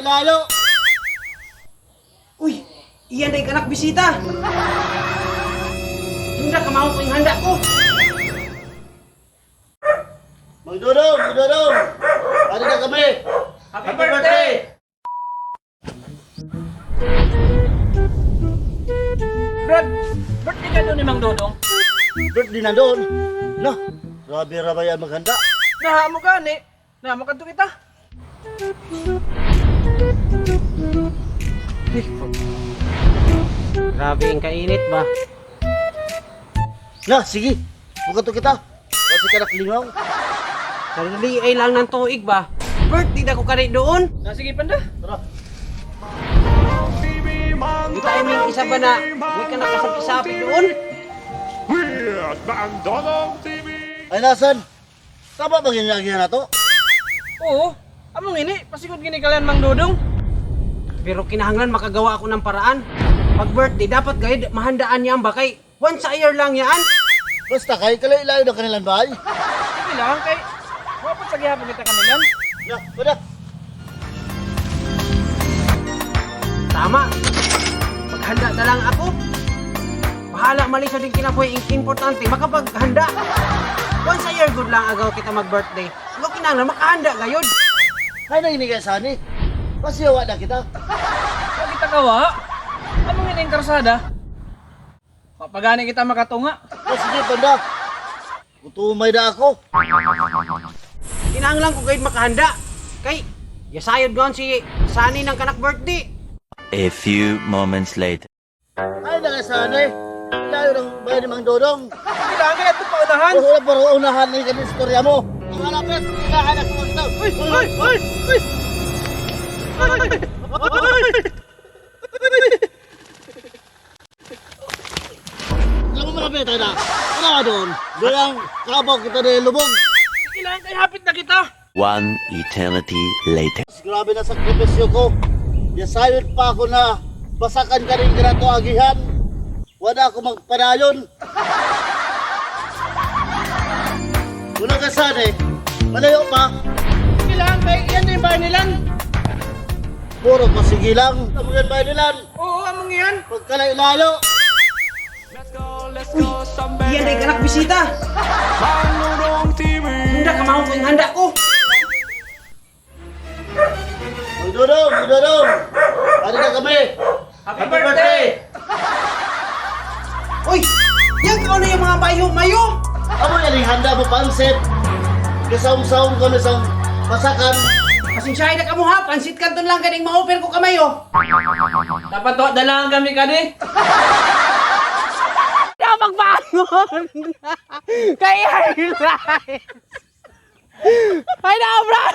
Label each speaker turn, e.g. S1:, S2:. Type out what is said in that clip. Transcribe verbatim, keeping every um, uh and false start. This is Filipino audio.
S1: Pagkalayo-layo.
S2: Uy, iyan day kanak bisita. Yung na kamao ko yung handa ko.
S1: Magdudong, magdudong. Ano na kami?
S2: Happy birthday!
S3: Brad, birthday ka doon ni Mang Dodong.
S1: Birthday na doon. No, grabe rabayan maghanda.
S3: Nahamo ka ni. Nahamo ka to kita.
S2: Grabe ang kainit ba?
S1: Na, sige. Buka to kita. Kasi ka naklingaw.
S2: Sarili ay lang ng tuig ba? Birthday na ko kani doon.
S3: Na sige panda.
S1: Tara.
S2: Di tayo may isa ba na may ka nakasapi-sapi doon?
S4: Weird Mang Dodong T V!
S1: Ay, nasan? Tama ba ginagawa na to?
S3: Oo. Among ini, pasigod gini kalan Mang Dodong.
S2: Pero kinahanglan makagawa ako ng paraan. Pag birthday, dapat gayud mahandaan niya ba kay once a year lang yan.
S1: Basta kay kalayo-layo ng kanilang bahay.
S3: Sige lang kay. Wapat sa gihapon kita kanilang.
S1: Na, pada.
S2: Tama. Maghanda na lang ako. Bahala mali sa din kinabuhi. Importante, makapaghanda. Once a year good lang agaw kita mag-birthday. Agaw kinahanglan makahanda gayud.
S1: Ay, nanginigay sani. Pasiyawa na kita.
S3: Wa kita kawa. Among ini ang karsada. Papagani kita makatunga.
S1: O, sige, panda. Utumay na ako.
S2: Kinahanglan ko gayud makahanda. Kay, yasayod gon si Sani ng kanak birthday.
S5: A few moments later.
S1: Ay, nangasani. Layo ng bahay ni Mang Dodong.
S3: Sige lang kay ato paunahan.
S1: Wala pa rin unahan na yung istorya mo. Ang halapit, kailangan ako magtaw.
S3: Uy, uy, uy, uy.
S1: Alam mo malapit tayo na. Ano ka doon? Doon ang kabaw kita na yung lubog.
S3: Sige lang kay hapit na kita.
S5: One eternity later.
S1: Grabe na sakripisyo ko. Yasayot pa ako na basakan ka rin ganato agihan. Wala ako magpanayon. Wala ka sana eh. Malayo pa.
S3: Sige lang kay yan na yung bahay nilan.
S1: Puro pasigi lang. Ang mga bahay nilan.
S3: Oo, among yan.
S1: Pagkalayo-layo.
S2: Iyan day kanak bisita. Yung na kamao ko yung handa ko.
S1: Magdudong, magdudong. Ano na kami?
S3: Happy birthday!
S2: Uy, yan ka na yung mga mayo-mayo.
S1: Amo yan yung handa mo pansit. Kasaong-saong ko na sa masakan.
S2: Pasensyahin na kamo ha, pansit kanton lang kaning ma-offer ko kamayo.
S3: Dapat to, dalangan kami ka di.
S2: Na magbangon. Kaya highlight. Ay na, Brad.